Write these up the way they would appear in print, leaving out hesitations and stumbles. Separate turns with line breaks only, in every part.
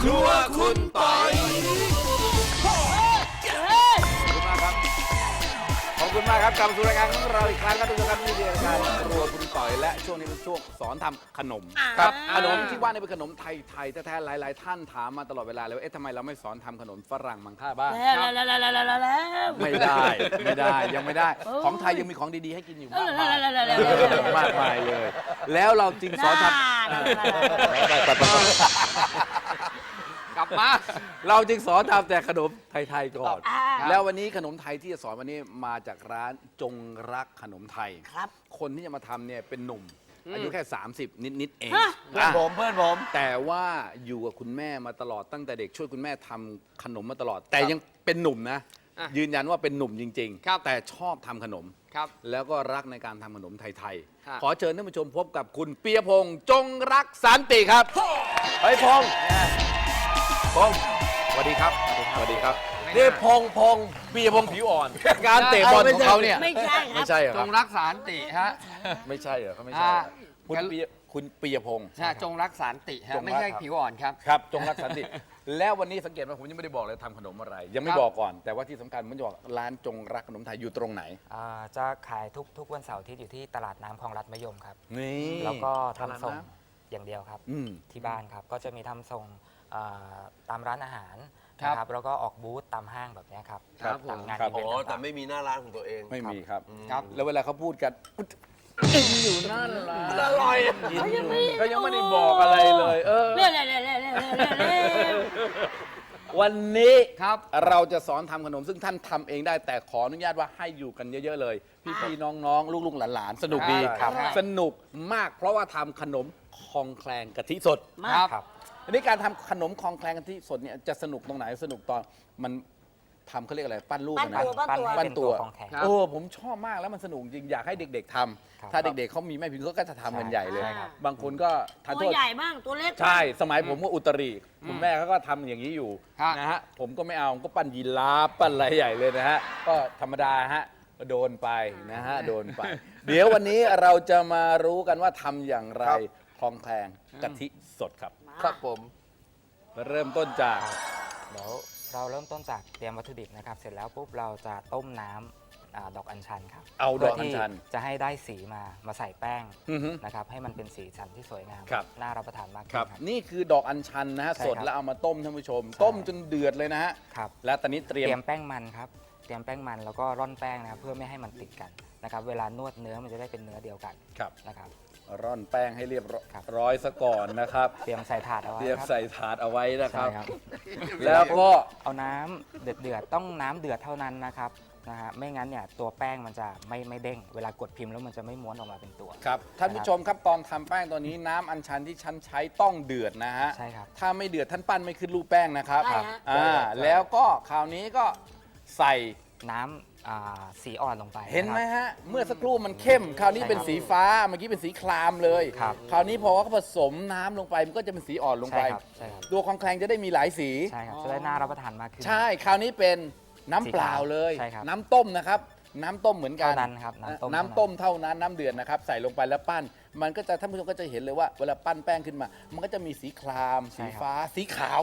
รัวคุณปอยขอบคุณมากครับกลับมาสู่รายการของเราอีกครั้งครับทุกท่านครับนี่คือรายการครัวคุณต่อยและช่วงนี้เป็นช่วงสอนทำขนมครับขนมที่ว่านี่เป็นขนมไทยแท้ๆหลายๆท่านถามมาตลอดเวลาเลยว่าเอ๊ะทำไมเราไม่สอนทำขนมฝรั่งมังค่าบ้างไม่ได้ยังไม่ได้ของไทยยังมีของดีๆให้กินอยู่มากมายเลย แล้วเราจึงสอนทำกลับมาเราจึงสอนทำแต่ขนมไทยๆก่อนแล้ววันนี้ขนมไทยที่จะสอนวันนี้มาจากร้านจงรักขนมไทยครับคนที่จะมาทำเนี่ยเป็นหนุ่มอายุแค่30นิดๆเอง
เพื่อนผม
แต่ว่าอยู่กับคุณแม่มาตลอดตั้งแต่เด็กช่วยคุณแม่ทำขนมมาตลอดแต่ยังเป็นหนุ่มนะยืนยันว่าเป็นหนุ่มจริงๆแต่ชอบทำขนมแล้วก็รักในการทำขนมไทยๆขอเชิญท่านผู้ชมพบกับคุณเปียพงษ์จงรักสันติครับเฮ้ยพงษ์สวัสดีครับสวัสดีครับนี่พงษ์ปียพงษ์ผิวอ่อนการเตะบอลของเขาเนี่ย
ไม่ใช่ครับ
ไม่ใช่เหรอ
จงรักสันติฮะ
ไม่ใช่เหรอเขาไม่ใช่คุณปียพงษ์
จงรักสันติฮะไม่ใช่ผิวอ่อนครับ
ครับจงรักสันติแล้ววันนี้สังเกตว่าผมยังไม่ได้บอกเลยทำขนมอะไร ยังไม่บอกก่อนแต่ว่าที่สำคัญผมจะบอกร้านจงรักขนมไทยอยู่ตรงไหน
จะขายทุกวันเสาร์ที่อยู่ที่ตลาดน้ำคลองลัดมะยมครับ
นี่
แล้วก็ทำส่งอย่างเดียวครับที่บ้านครับก็จะมีทำส่งตามร้านอาหารนะครับแล้วก็ออกบูธตามห้างแบบนี้ครับตามงานอีเวนต์ต่างๆ
แต่ไม่มีหน้าร้านของตัวเอง
ไม่มีครับแล้วเวลาเขาพูดกันอยู่นั่นล่ะ
อร่อย
ก็ยังไม่ได้บอกอะไรเลยวันนี้เราจะสอนทำขนมซึ่งท่านทำเองได้แต่ขออนุญาตว่าให้อยู่กันเยอะๆเลยพี่ๆน้องๆลูกๆหลานๆสนุกดีสนุกมากเพราะว่าทำขนมคลองแคลงกะทิสด
ครับ
อันนี้การทำขนมคลองแคลงกะทิสดเนี่ยจะสนุกตรงไหนสนุกตอนมันทำเขาเรียกอะไรปั้นรูปนะ
ปั้นตัวของแข็ง
ผมชอบมากแล้วมันสนุกจริงอยากให้เด็กๆทำถ้าเด็กๆเขามีแม่พิมพ์เขาก็จะทำกันใหญ่เลยบางคนก็ทานโทษ
ตัวใหญ่บ้างตัวเล็ก
ใช่สมัยผมก็อุตรีคุณแม่เขาก็ทำอย่างนี้อยู่นะฮะผมก็ไม่เอาก็ปั้นยีราฟปั้นอะไรใหญ่เลยนะฮะก็ธรรมดาฮะก็โดนไปนะฮะโดนไปเดี๋ยววันนี้เราจะมารู้กันว่าทำอย่างไรคลองแคลงกะทิสดครับ
ครับผม
เริ่มต้นจาก
เดี๋ยวเราเริ่มต้นจากเตรียมวัตถุดิบนะครับเสร็จแล้วปุ๊บเราจะต้มน้ำดอกอัญชันครับ
เอาดอกอัญชัน
จะให้ได้สีมาใส่แป้งนะครับให้มันเป็นสีสันที่สวยงามน่ารับประทานมาก
ครับนี่คือดอกอัญชันนะฮะสดแล้วเอามาต้มท่านผู้ชมต้มจนเดือดเลยนะฮะแล้วตอนนี้เตรียม
แป้งมันครับเตรียมแป้งมันแล้วก็ร่อนแป้งนะครับเพื่อไม่ให้มันติดกันนะครับเวลานวดเนื้อมันจะได้เป็นเนื้อเดียวกันนะครับ
ร่อนแป้งให้เรียบร้อยซะก่อนนะครับ
เตรียมใส่ถาดเอาไว้
เตรียมใส่ถาดเอาไว้นะครับ
แล้วก็เอาน้ำเดือดต้องน้ำเดือดเท่านั้นนะครับไม่งั้นเนี่ยตัวแป้งมันจะไม่เด้งเวลากดพิมพ์แล้วมันจะไม่ม้วนออกมาเป็นตัว
ครับท่านผู้ชมครับตอนทำแป้งตัวนี้น้ำอัญชันที่ฉันใช้ต้องเดือดนะฮะ
ใช่ครับ
ถ้าไม่เดือดท่านปั้นไม่ขึ้นรูปแป้งนะครับแล้วก็คราวนี้ก็ใส่
น้ำสีอ่อนลงไป
เห็นไหมฮะเมื่อสักครู่มันเข้มคราวนี้เป็นสีฟ้าเมื่อกี้เป็นสีครามเลยคราวนี้พอเขาผสมน้ำลงไปมันก็จะเป็นสีอ่อนลงไปตัวคลองแคลงจะได้มีหลายสี
ใช่ครับจะได้น่ารับประทานมากขึ้น
ใช่คราวนี้เป็นน้ำเปล่าเลยน้ำต้มนะครับน้ำต้มเหมือนกัน
ครับ
น้ำต้มเท่านั้นน้ำเดือดนะครับใส่ลงไปแล้วปั้นมันก็จะท่านผู้ชมก็จะเห็นเลยว่าเวลาปั้นแป้งขึ้นมามันก็จะมีสีครามสีฟ้าสีขาว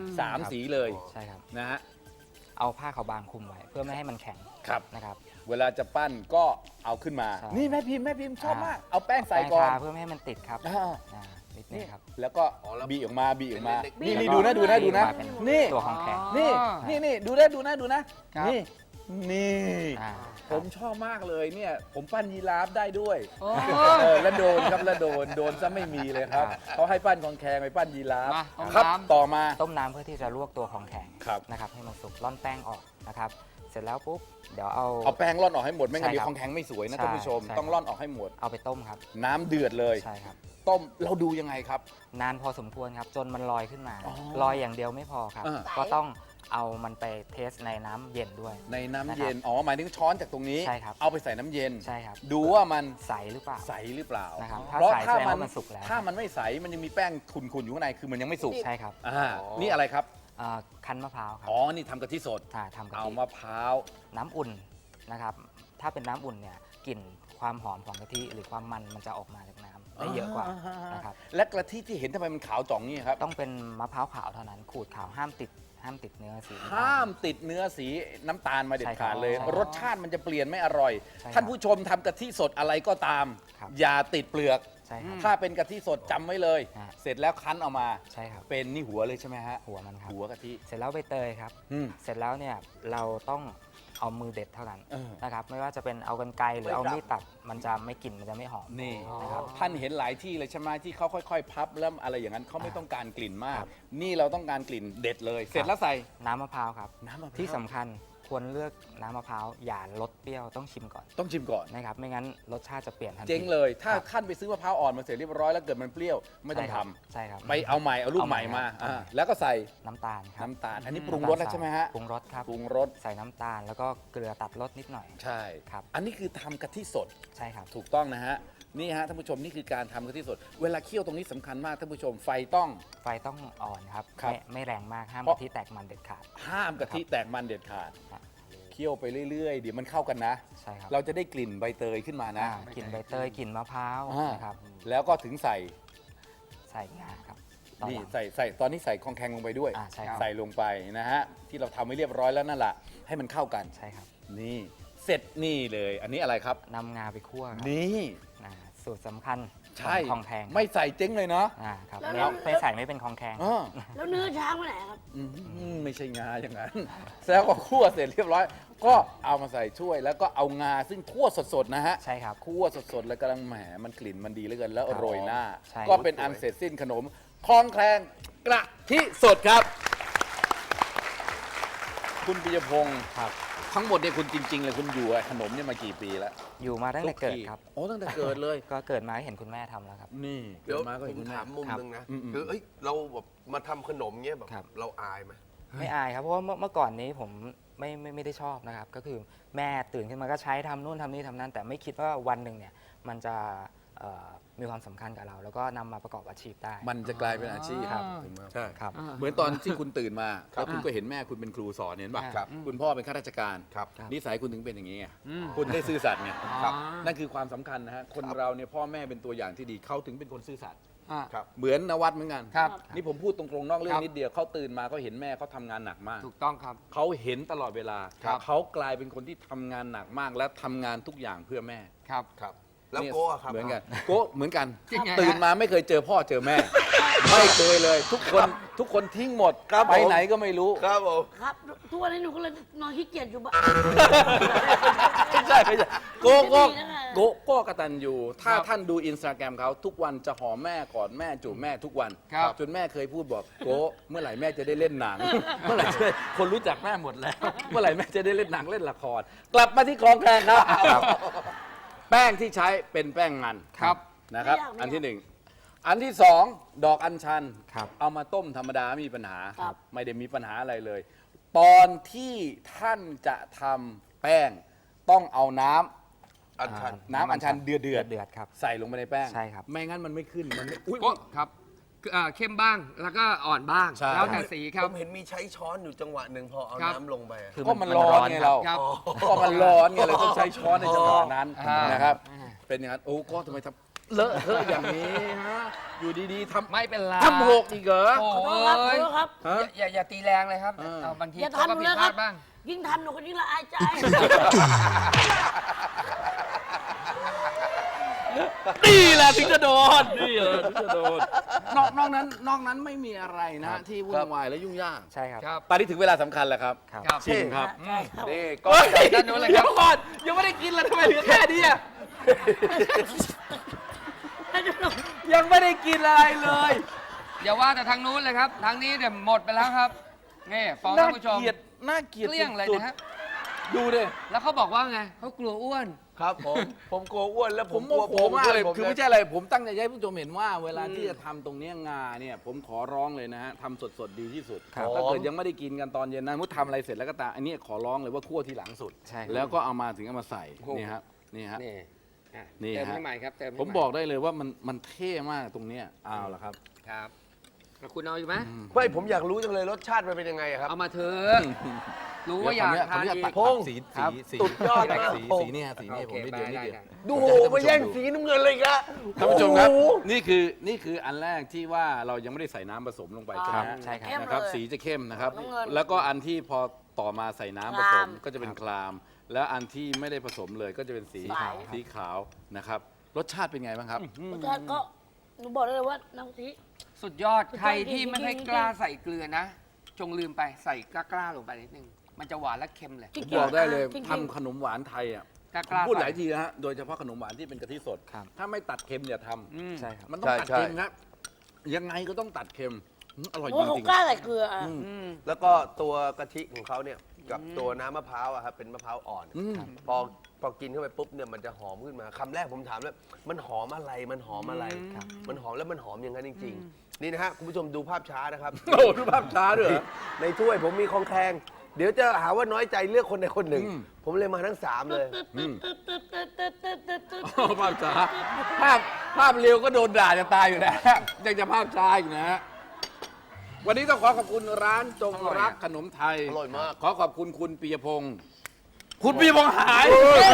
3สีเลย
ใช่ครับ
นะฮะ
เอาผ้าขาวบางคลุมไว้เพื่อไม่ให้มันแข็งนะครับ
เวลาจะปั้นก็เอาขึ้นมานี่แม่พิมพ์ชอบมากเอาแป้งใส่ก่อน
เพื่อไม่ให้มันติดครับนิดนึงครับ
แล้วก็บีออกมานี่ดูนะนี่
ตัวของแข็ง
นี่ดูนะนี่ผมชอบมากเลยเนี่ยผมปั้นยีราฟได้ด้วยแล้วโดนครับแล้วโดนซะไม่มีเลยครับเขาให้ปั้นของแข็งไปปั้นยีราฟครับต่อมา
ต้มน้ำเพื่อที่จะลวกตัวของแข็งนะครับให้มันสุกร่อนแป้งออกนะครับเสร็จแล้วปุ๊บเดี๋ยวเอา
แป้งร่อนออกให้หมดไม่งั้นเดี๋ยวของแข็งไม่สวยนะท่านผู้ชมต้องร่อนออกให้หมด
เอาไปต้มครับ
น้ำเดือดเลย
ใช่ครับ
ต้มเราดูยังไงครับ
นานพอสมควรครับจนมันลอยขึ้นมาลอยอย่างเดียวไม่พอครับก็ต้องเอามันไปเทสในน้ำเย็นด้วย
ในน้ำเย็นหมายถึงช้อนจากตรงนี้
ใช่ครับ
เอาไปใส่น้ำเย็น
ใช่ครับ
ดูว่ามัน
ใสหรือเปล่า
นะครับ
เพราะถ้ามันสุกแล้ว
ถ้ามันไม่ใสมันยังมีแป้งขุ่นๆอยู่ข้างในคือมันยังไม่สุก
ใช่ครับ
นี่อะไรครับ
คั้นมะพร้าวครับ
นี่ทำกะทิสด
ทำกะทิ
เอามะพร้าว
น้ำอุ่นนะครับถ้าเป็นน้ำอุ่นเนี่ยกลิ่นความหอมของกะทิหรือความมันจะออกมาจากน้ำได้เยอะกว่านะครับ
และกะทิที่เห็นทำไมมันขาวจ่องนี่ครับ
ต้องเป็นมะพร้าวขาวเท่านั้นขูดขาวห้ามติดเนื้อสีน้ำตล
ห้ามติดเนื้อสีน้ำตาลมาเด็ดขาดเลย
ใช่ครับ
รสชาติมันจะเปลี่ยนไม่อร่อย
ใช่ครับ
ท่านผู้ชมทำกะทิสดอะไรก็ตาม
ครับ
อย่าติดเปลือก
ใช่ครับ
ถ้าเป็นกะทิสดจำไว้เลย
ฮะ
เสร็จแล้วคั้นออกมา
ใช่ครับ
เป็นนี่หัวเลยใช่ไหมฮะ
หัวมันครับ
หัวกะทิ
เสร็จแล้วใบเตยครับ
อืม
เสร็จแล้วเนี่ยเราต้องเอามือเด็ดเท่านั้น
เออ
นะครับไม่ว่าจะเป็นเอากรรไกรหรือเอามีดตัดมันจะไม่กลิ่นมันจะไม่หอม
นี่
นะครับ
ท่านเห็นหลายที่เลยใช่ไหมที่เขาค่อยๆ พับแล้วอะไรอย่างนั้นเขาไม่ต้องการกลิ่นมาก
ครับ
นี่เราต้องการกลิ่นเด็ดเลย เสร็จแล้วใส่
น้ำมะพร้าวครับ
น้ำมะพร้าว
ที่สำคัญควรเลือกน้ำมะพร้าวอย่าลดเปรี้ยวต้องชิมก่อน
ต้องชิมก่อน
นะครับไม่งั้นรสชาติจะเปลี่ยนทันที
เจ๊งเลย ถ้า
ครับ
ท่านไปซื้อมะพร้าวอ่อนมาเสร็จเรียบร้อยแล้วเกิดมันเปรี้ยวไม่ต้องทำ
ใช่ครับ
ไปเอาใหม่เอาลูก
เอา
ให
ใหม่
ม่มา
ครับ
แล้วก็ใส่
น้ำตาลครับ
น้ำตาล อันนี้ปรุงรสแล้วใช่ไหมฮะ
ปรุงรสครับ
ปรุงรส
ใส่น้ำตาลแล้วก็เกลือตัดรสนิดหน่อย
ใช่
ครับ
อันนี้คือทำกะทิสด
ใช่ครับ
ถูกต้องนะฮะนี่ฮะท่านผู้ชมนี่คือการทำกะทิสด เวลาเคี่ยวตรงนี้สำคัญมากท่านผู้ชมไฟต้อง
ไฟต้องอ่อนครับ
ครับ
ไม่แรงมากห้าม
เพราะ
กะทิแตกมันเด็ดขาด
ห้ามกะทิแตกมันเด็ดขาด
ครับ
เคี่ยวไปเรื่อยๆเดี๋ยวมันเข้ากันนะ
ใช่ครับ
เราจะได้กลิ่นใบเตยขึ้นมานะ
กลิ่นใบเตยกลิ่นมะพร้าว
อ่าน
นะครับ
แล้วก็ถึงใส่
ใส่งาครับตอน
นี่
หลัง
ใส่ตอนนี้ใส่คองแคงลงไปด้วย
ใช่ครับ
ใส่ลงไปนะฮะที่เราทำไว้เรียบร้อยแล้วนั่นแหละให้มันเข้ากัน
ใช่ครับ
นี่เสร็จนี่เลย อันนี้อะไรครับ
นำงาไปคั่วครับ
นี่
สูตรสำคัญ
ใช่
ของคองแทงครับ
ไม่ใส่เจ๊งเลยเนาะ
ครับ
แล้ว
แล้วไม่ใส่ไม่เป็นคองแทง
อ้อ
แล้วเนื้อช้างไปไหนครับ
ไม่ใช่งาอย่างนั้น แล้วก็คั่วเสร็จเรียบร้อย ก็เอามาใส่ถ้วย แล้วก็เอางาซึ่งคั่วสดๆนะฮะ
ใช่ครับ
คั่วสดๆแล้วกำลังแหมมันกลิ่นมันดีเหลือเกินแล้ว
ครับ
โรยหน้า
ใช่
ก็เป็นอันเสร็จสิ้นขนมคลองแคลงกระทิสดครับ คุณปิยพงศ์
ครับ
ทั้งหมดเนี่ยคุณจริงๆเลยคุณอยู่กับขนมเนี่ยมากี่ปีแล้ว
อยู่มาตั้งแต่เกิดครับ
โอ้ตั้งแต่เกิดเลย
ก็เกิดมาเห็นคุณแม่ทำแล้วครับ
นี่
เดี๋ยว
กิมาก็
ผ
เห็น
ม
คุณแม่
ถามมุม
ครับ
หนึงนะ
อืม
คือเอ้ยเราแบบมาทำขนมเงี้ยแบบ
ครับ
เราอายไหม
ไม่อายครับเพราะว่าเมื่อก่อนนี้ผมไม่ได้ชอบนะครับ ก็คือแม่ตื่นขึ้นมาก็ใช้ทำนู่นทำนี่ทำนั่นแต่ไม่คิดว่าวันหนึ่งเนี่ยมันจะมีความสำคัญกับเรา แล้วก็นำมาประกอบอาชีพได้
มันจะกลายเป็นอาชีพ
ครับ
ใช่
ครับ
เหมือนตอนที่คุณตื่นมาแล้วคุณก็เห็นแม่คุณเป็นครูสอนเห็นป่ะ
ครับ
คุณพ่อเป็นข้าราชการ
ครับ
นิสัยคุณถึงเป็นอย่างนี้ไงคุณได้ซื่อสัตย์ไง
ครับ
นั่นคือความสำคัญนะฮะคนเราเนี่ยพ่อแม่เป็นตัวอย่างที่ดีเขาถึงเป็นคนซื่อสัตย์
ครับ
เหมือนนวัดเหมือนกัน
ครับ
นี่ผมพูดตรงๆนอกเรื่อ
ครั
ง
บ
นิดเดียวเขาตื่นมาเขาเห็นแม่เขาทำงานหนักมาก
ถูกต้องครับ
เขาเห็นตลอดเวลา
ครับ
เขากลายเป็นคนที่ทำงานหนักมากและทำงานทุกอย่างเพื่อแม่
ครับ
ครับ แล้ว
เนี่ย
โก้อะครับ
เหมือนกันโก้เหมือนกัน
จริงไงฮะ
ตื่นมาไม่เคยเจอพ่อเจอแม่ ไม่เคยเลย ทุกคนทิ้งหมด
ครับ
ไป
ผม
ไหนก็ไม่รู้
ครับผม
ครับทุกวันนี้หนูก็เลยนอนขี้เกียจอยู่บ้าน
ไม่ใช่โก้
ไม่ดีนะคะ
โก้กตันยูถ้า
ครับ
ท่านดูอินสตาแกรมเขาทุกวันจะหอมแม่กอดแม่จูบแม่ทุกวัน
ครับ
จนแม่เคยพูดบอกโก้เมื่อไหร่แม่จะได้เล่นหนัง เมื่อไหร่จะได้คนรู้จักแม่หมดแล้ว เมื่อไหร่แม่จะได้เล่นหนังเล่นละคร กลับมาที่คลองแคลงครับ แป้งที่ใช้เป็นแป้งมัน
ครับ
นะครับ
ไม่ยาก
อันที่หนึ่งอันที่สองดอกอัญชัน
ครับ
เอามาต้มธรรมดาไม่มีปัญหา
ครับ
ไม่ได้มีปัญหาอะไรเลย ตอนที่ท่านจะทำแป้งต้องเอาน้ำ
อัญชัน
น้ำอัญชันเดือด
เดือดครับ
ใส่ลงไปในแป้ง
ใช่ครับ
ไม่งั้นมันไม่ขึ้นมันไม่อุ๊ย
ก็ครับคือเข้มบ้างแล้วก็อ่อนบ้าง
ใช่
แล้วแต่สีครับ
ผมเห็นมีใช้ช้อนอยู่จังหวะหนึ่งพอเอา
ครับ
น้ำลงไปอะ
คือ
ก็มันร้อนไงเรา
ครับ
ก็มันร้อนไงเราต้องใช้ช้อนในจังหวะนั้น
อ่าน
นะครับ เป็นอย่างนั้นโอ้ก็ทำไมทำเลอะเทอะอย่างนี้ฮะอยู่ดีๆท
ไม่เป็นไร
ำทำหกอีกเหรอ
โอ้
ขอโทษครับขอโทษครับ
ฮะ
อย่าตีแรงเลยครับ
เออ
เอาบางที
อย่า
เขาก็
ทำหนู
ผิด
นะ
พ
ครั
ลา
บ
ดบ้าง
ยิ่งทำหนูก็ยิ่งละอายใจ
นี่แหละถึงจะโดนนี่แหละถึงจะโดนนอกนั้นไม่มีอะไรนะที่วุ่นวายและยุ่งยาก
ใช่ครับ
ครับ
ตอนนี้ถึงเวลาสำคัญแล้วครับ
ครับ
ครับ
ชิมครับ
ใช่ครับ
นี่ก็
เฮ้ย
ด้านนู้นเลยครับ
เดี๋ยวก่อนยังไม่ได้กินเลยทำไมเหลือแค่นี้อะยังไม่ได้กินอะไรเลย
อย่าว่าแต่ทางนู้นเลยครับ ทางนี้เดี๋ยวหมดไปแล้วครับ นี่ฟ้อง
น่า
ท่านผู้ชม
เกลียดน่าเกลียด
เกลี้ยงเลย
สุด
นะฮะ
ๆดูดิ
แล้วเขาบอกว่าไงเขากลัวอ้วน
ครับผมกลัวอ้วนแล้ว
ผม
กลัว
โมโหมากเลย
ผม
คือไม่ใช่อะไรผมตั้งใจให้ผู้ชมเห็นว่าเวลาที่จะทำตรงเนี้ยงาเนี่ยผมขอร้องเลยนะฮะทำสดๆดีที่สุด
ครับ
ถ้าเกิดยังไม่ได้กินกันตอนเย็นนะมุดทำอะไรเสร็จแล้วก็ตามอันนี้ขอร้องเลยว่าคั่วทีหลังสุด
ใช่ครับ
แล้วก็เอามาถึงเอามาใส่นี่ครับนี่ฮะ
นี่อ่ะ
นี่
เติม
ฮะ
ให้ใหม่ครับเติมให้
ผม
ให
บอกได้เลยว่ามันเท่มากตรงเนี้ยเอาละครับ
ครับคุณเอาอยู่ไหม
ไม่ผมอยากรู้จังเลยรสชาติมันเป็นยังไงอะครับ
เอามาเถอะรู้ว่าอยากทาน
เดี๋ยว
อี
ตัด
ก
พงษ์
สี
สุดยอดมาก
สีเนี่ยสีเนี่ยผมไม่เดียวนี่เดียว
ดูโหมาแย่งสีน้ำเงินเลยครับ
ท่านผู้ชมครับ
โอ้โห
นี่คืออันแรกที่ว่าเรายังไม่ได้ใส่น้ำผสมลงไปใช่ไหมฮะ
ใช่ครับ
เข้ม
นะครับ
เลย
สีจะเข้มนะครับ
น้ำเงิน
แล้วก็อันที่พอต่อมาใส่น้ำผสม
คราม
ก็จะเป็นคราม แล้วอันที่ไม่ได้ผสมเลยก็จะเป็นสี
สีขาว
นะครับรสชาติเป็นไงบ้างครับ
รสชาติก็หนูบอกได้เลยว่าน้ำกะทิ
สุดยอดใครที่ไม่ค่อยกล้าใส่เกลือนะ จงลืมไปใส่กล้าๆลงไปนิดนึง มันจะหวานและเค็มเลย
จริง
บอกได้เลย
จริงๆ
ทำขนมหวานไทยอ่ะ
กล้า
ผมพูดหลาย
ใส่
ทีนะฮะโดยเฉพาะขนมหวานที่เป็นกะทิสด
ครับ
ถ้าไม่ตัดเค็มอย่าท
ใช่ครับ
ำมันต้อง
ใช่
ตัด
ใช่
เค็มครับยังไงก็ต้องตัดเค็มอร่อย
เพ
จ
ราะว่าเขา
ริง
กล้าใส่เกลืออ่ะ
แล้วก็ตัวกะทิของเขาเนี่ยกับตัวน้ำมะพร้าวอะครับเป็นมะพร้าวอ่อน
อืม
พอกินเข้าไปปุ๊บเนี่ยมันจะหอมขึ้นมาคำแรกผมถามแล้วมันหอมอะไรมันหอมอะไร มันหอมแล้วมันหอมอย่างนั้นจริง ๆ นี่นะฮะคุณผู้ชมดูภาพช้านะครับ
โอ้โหดูภาพช้าด้วยเหรอ
ในถ้วยผมมีของแคลงเดี๋ยวจะหาว่าน้อยใจเลือกคนใดคนหนึ่ง
อืม
ผมเลยมาทั้ง 3 เลย
โอ้ภาพช้าภาพเร็วก็โดนด่าจะตายอยู่แล้วยังจะภาพช้าอีกนะฮะวันนี้ต้องขอขอบคุณร้านจงรักขนมไทย
อร่อยมาก
ขอขอบคุณคุณปียพงศ์คุณปียพงศ์หาย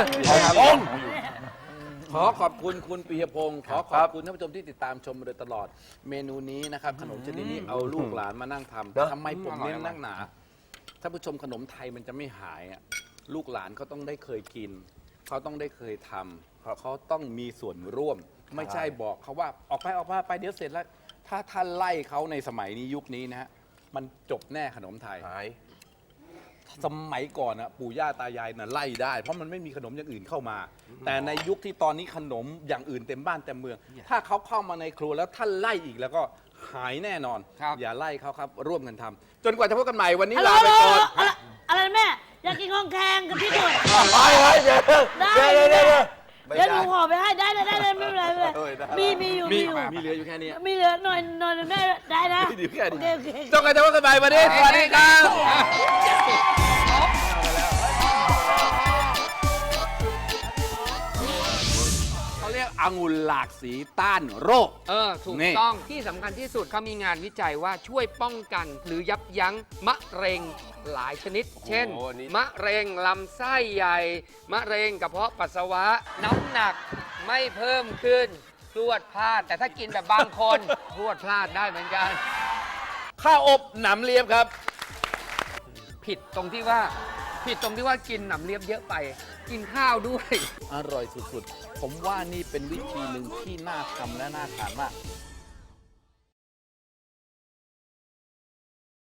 ขอขอบคุณคุณปียพงศ์ขอขอบคุณท่านผู้ชมที่ติดตามชมมาโดยตลอด เมนูนี้นะครับขนมชนิดนี้เอาลูกหลานมานั่งท
เนอะ
ำทำไมผมเน้นนักหนาท่านผู้ชมขนมไทยมันจะไม่หายอ่ะลูกหลานเขาต้องได้เคยกิน เขาต้องได้เคยทำเขาต้องมีส่วนร่วม ไม่ใช่บอกเขาว่าออกไปไปเดี๋ยวเสร็จแล้ว ถ้าท่านไล่เขาในสมัยนี้ยุคนี้นะฮะมันจบแน่ขนมไทย
หาย
สมัยก่อนนะปู่ย่าตายายน่ะไล่ได้ เพราะมันไม่มีขนมอย่างอื่นเข้ามา แต่ในยุคที่ตอนนี้ขนมอย่างอื่นเต็มบ้านเต็มเมือง ถ้าเขาเข้ามาในครัวแล้วท่านไล่อีกแล้วก็หายแน่นอน
ครับ
อย่าไล่เขาครับร่วมกันทำจนกว่าจะพบกันใหม่วันนี้
ฮัลโหล
ลาไปก่อน
อะไรนะแม่ อยากกินของแข็งกับพี่ด่วน
ไปเดี๋ยว
ได้
เดี๋ยว
เดี๋
เดี๋ยว
ยวหนูขอไปให้ได้เลยไม่เป็นไรไม่เป็นไร
เออได้
มีอยู่
มี
มีอยู่
มีเหลืออยู่แค่นี้
มีเหลือหน่อยแม่ได้นะ
มีเหลือแค่นี้
โอเค
จนกว่าจะพบกันใหม่วันนี้สวัสดีครับเขาเรียกองุ่นหลากสีต้านโรค
ถูก
นี่
ต้องที่สำคัญที่สุดเขามีงานวิจัยว่าช่วยป้องกันหรือยับยั้งมะเร็งหลายชนิด เช่น
โอ้โหอันนี้
มะเร็งลำไส้ใหญ่ มะเร็งกระเพาะปัสสาวะ น้ำหนักไม่เพิ่มขึ้นพรวดพลาด แต่ถ้ากินแบบบางคน พรวดพลาดได้เหมือนกัน
ข้าวอบหนำเลียบครับ
ผิดตรงที่ว่ากินหนำเลียบเยอะไป กินข้าวด้วย
อร่อยสุดๆ ผมว่านี่เป็นวิธีหนึ่งที่น่าทำและน่าทานมาก